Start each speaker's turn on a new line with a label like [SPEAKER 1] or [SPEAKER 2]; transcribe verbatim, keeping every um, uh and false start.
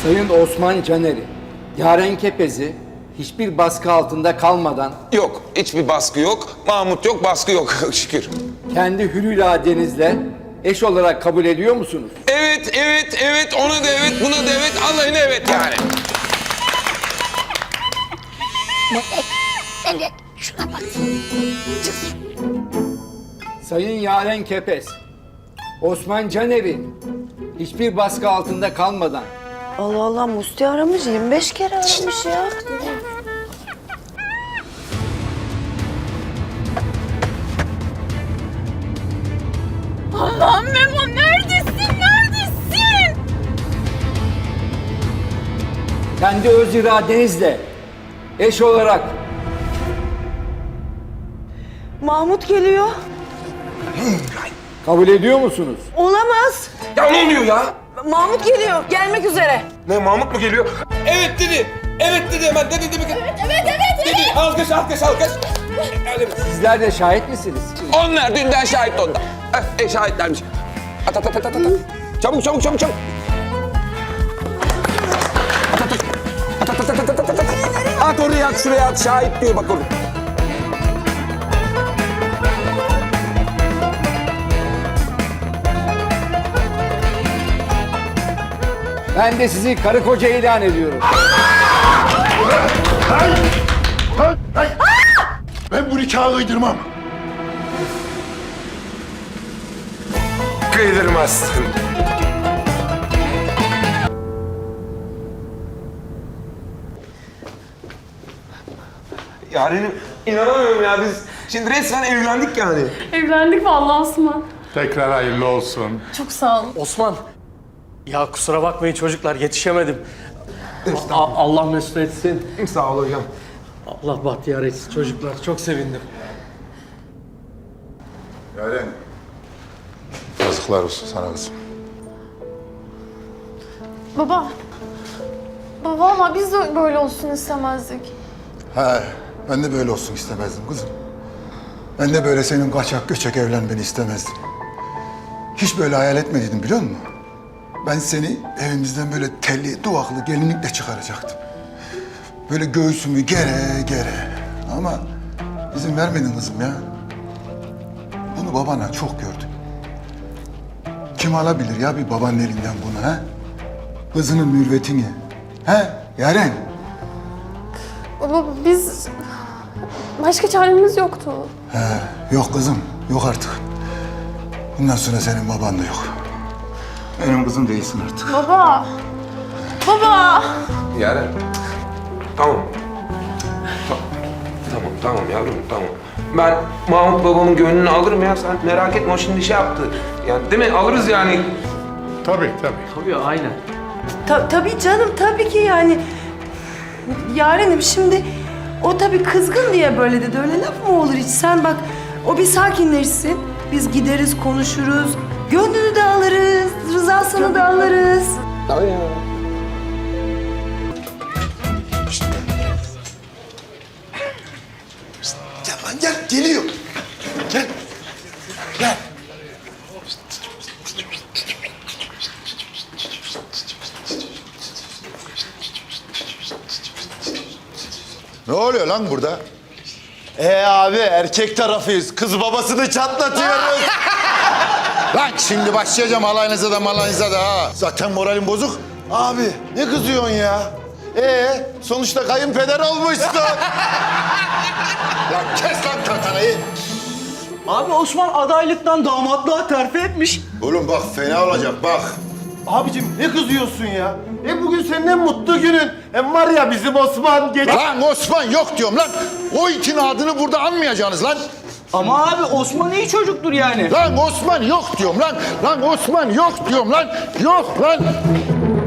[SPEAKER 1] Sayın Osman Caner'i, Yaren Kepez'i hiçbir baskı altında kalmadan...
[SPEAKER 2] Yok, hiçbir baskı yok. Mahmut yok, baskı yok şükür.
[SPEAKER 1] ...kendi hür iradenizle eş olarak kabul ediyor musunuz?
[SPEAKER 2] Evet, evet, evet. Ona da evet, buna da evet. Allah'ına evet yani.
[SPEAKER 3] Evet, şuna bak.
[SPEAKER 1] Sayın Yaren Kepez, Osman Caner'in hiçbir baskı altında kalmadan...
[SPEAKER 4] Allah Allah, Musti aramış, yirmi beş kere aramış ya.
[SPEAKER 3] Allah'ım Memo, neredesin, neredesin?
[SPEAKER 1] ...kendi öz iradenizle eş olarak...
[SPEAKER 4] Mahmut geliyor.
[SPEAKER 1] ...kabul ediyor musunuz?
[SPEAKER 4] Olamaz.
[SPEAKER 2] Ya ne oluyor ya?
[SPEAKER 4] Mahmut geliyor, gelmek üzere.
[SPEAKER 2] Ne, Mahmut mu geliyor? Evet dedi. Evet dedi hemen. Dedi dedi.
[SPEAKER 3] Evet, evet, evet,
[SPEAKER 2] Dedi. Alkış, alkış, alkış. Öyle mi?
[SPEAKER 1] Sizler de şahit misiniz?
[SPEAKER 2] Onlar dünden şahit onda. Eh, e, şahitlermiş. At at at at at. at. Çabuk çabuk çabuk çabuk. At at at. At at at at at at at. At oraya at, şuraya at. Şahit diyor bak orada.
[SPEAKER 1] Ben de sizi karı koca ilan ediyorum.
[SPEAKER 5] Ben bu nikahı kıydırmam.
[SPEAKER 2] Kıydırmazsın. Yarenim inanamıyorum ya, biz şimdi resmen evlendik yani.
[SPEAKER 6] Evlendik vallahi Osman.
[SPEAKER 5] Tekrar hayırlı olsun.
[SPEAKER 6] Çok sağ ol.
[SPEAKER 7] Osman. Ya kusura bakmayın çocuklar, yetişemedim. A- Allah mesut etsin.
[SPEAKER 2] Sağ ol hocam.
[SPEAKER 7] Allah bahtiyar etsin çocuklar. Çok sevindim.
[SPEAKER 5] Yaren. Yazıklar olsun sana kızım.
[SPEAKER 6] Baba. Baba valla biz de böyle olsun istemezdik.
[SPEAKER 5] He, ben de böyle olsun istemezdim kızım. Ben de böyle senin kaçak göçek evlenmeni istemezdim. Hiç böyle hayal etmediydim biliyor musun? Ben seni evimizden böyle telli, duvaklı gelinlikle çıkaracaktım. Böyle göğsümü gere gere. Ama izin vermedin kızım ya. Bunu babana çok gördüm. Kim alabilir ya bir babanın elinden bunu ha? Kızının mürvetini. He Yaren?
[SPEAKER 6] Baba biz... Başka çaremiz yoktu.
[SPEAKER 5] He, yok kızım, yok artık. Bundan sonra senin baban da yok. Benim kızım değilsin artık.
[SPEAKER 6] Baba. Baba.
[SPEAKER 2] Yaren. Tamam. Ta- Tamam, tamam yavrum, tamam. Ben Mahmut babamın gönlünü alırım ya, sen merak etme, o şimdi şey yaptı. Yani değil mi? Alırız yani.
[SPEAKER 5] Tabii, tabii.
[SPEAKER 7] Tabii aynen.
[SPEAKER 4] Ta- tabii canım, tabii ki yani. Yarenim şimdi o tabii kızgın diye böyle dedi. Öyle laf mı olur hiç? Sen bak, o bir sakinleşsin. Biz gideriz, konuşuruz. Gönlünü de alırız, rızasını da alırız.
[SPEAKER 2] Tabii ya.
[SPEAKER 5] Gel lan gel, geliyor. Gel. Gel. Ne oluyor lan burada?
[SPEAKER 8] Ee abi erkek tarafıyız. Kız babasını çatlatıyoruz.
[SPEAKER 5] Lan şimdi başlayacağım alayınıza da malayınıza da ha. Zaten moralim bozuk.
[SPEAKER 8] Abi ne kızıyorsun ya? Ee sonuçta kayınpeder olmuşsun.
[SPEAKER 5] Lan kes lan tantanayı.
[SPEAKER 7] Abi Osman adaylıktan damatlığa terfi etmiş.
[SPEAKER 5] Oğlum bak fena olacak bak.
[SPEAKER 8] Abicim ne kızıyorsun ya? E bugün senin en mutlu günün. Hem var ya bizim Osman geç...
[SPEAKER 5] Lan Osman yok diyorum lan. O itin adını burada anmayacaksınız lan.
[SPEAKER 7] Ama abi Osman iyi çocuktur yani.
[SPEAKER 5] Lan Osman yok diyorum lan. Lan Osman yok diyorum lan. Yok lan.